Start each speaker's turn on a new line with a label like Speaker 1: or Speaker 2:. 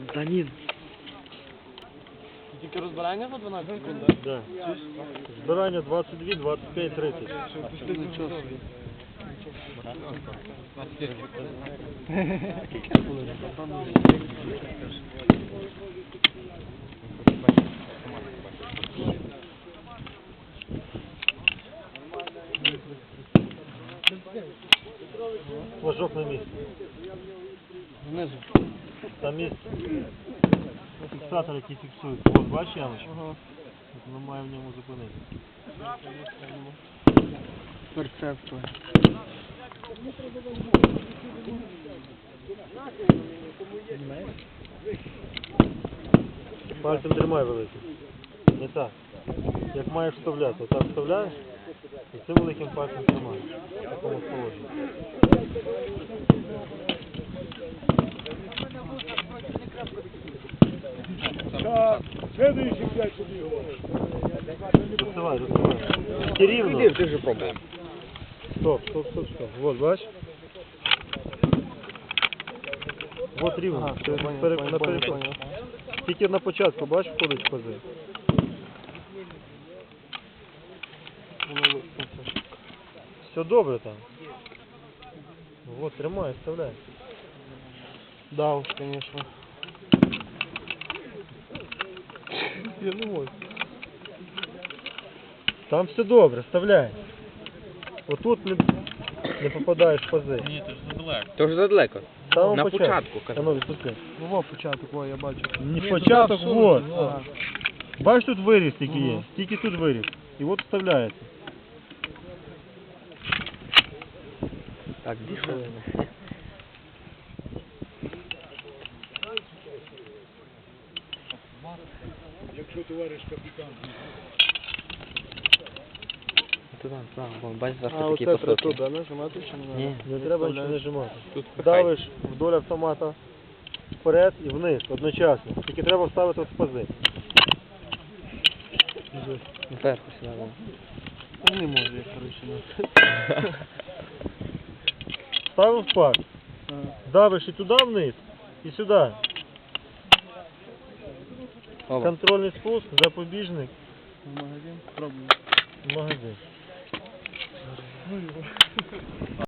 Speaker 1: Та ні.
Speaker 2: Тільки розбирання за 12 секунд, так?
Speaker 3: Да. Збирання 22, 25, 30.
Speaker 2: Нічого собі.
Speaker 3: Флажок на місці.
Speaker 2: Внизу.
Speaker 3: Там є фіксатор, який фіксує. Ось бачиш ямочку?
Speaker 2: Ага.
Speaker 3: От воно має в ньому зупинитися.
Speaker 2: Перцепто.
Speaker 3: Пальцем тримай великим. Не так. Як маєш вставляти. Отак вставляєш і цим великим пальцем тримаєш. В такому положенні.
Speaker 4: Следующий 5 побігов.
Speaker 3: Доставай, доставай. Тільки рівно.
Speaker 1: Ти вже пробував.
Speaker 3: Стоп. Вот, бачиш? Вот рівно.
Speaker 2: Ага,
Speaker 3: Ти
Speaker 2: понял,
Speaker 3: на переход.
Speaker 2: понял.
Speaker 3: Тільки на початку, бачиш, входить в пази. Все добре там. Вот, тримай, вставляй.
Speaker 2: Да уж, конечно. Я не можу.
Speaker 3: Там все добре, вставляй. Отут не попадаєш в пази.
Speaker 1: То вже задалеко.
Speaker 3: З самого
Speaker 1: На початку, кажу.
Speaker 3: А ну, відпусти.
Speaker 2: Ну, во початок, во, я бачу.
Speaker 3: Не початок, вот.
Speaker 2: Ага.
Speaker 3: Бачиш, тут виріз тільки є. Тільки тут виріз. І от вставляється.
Speaker 1: Так, 2 хвилини.
Speaker 4: Якщо товариш капітан.
Speaker 1: Туди, вон, бачиш, завжди
Speaker 2: А
Speaker 1: такі
Speaker 2: оце треба
Speaker 1: посилки.
Speaker 2: туди нажимати чи не
Speaker 1: Ні.
Speaker 3: Не треба нічого нажимати.
Speaker 1: Тут
Speaker 3: Давиш вдоль автомата вперед і вниз одночасно. Тільки треба вставити в пази.
Speaker 1: Вверху сюди, да.
Speaker 2: Не можу я, коротше,
Speaker 3: Ставив пак.
Speaker 2: не.
Speaker 3: Давиш і туди вниз, і сюди.
Speaker 1: Опа.
Speaker 3: Контрольний спуск, запобіжник,
Speaker 2: В магазин пробую.
Speaker 3: магазин.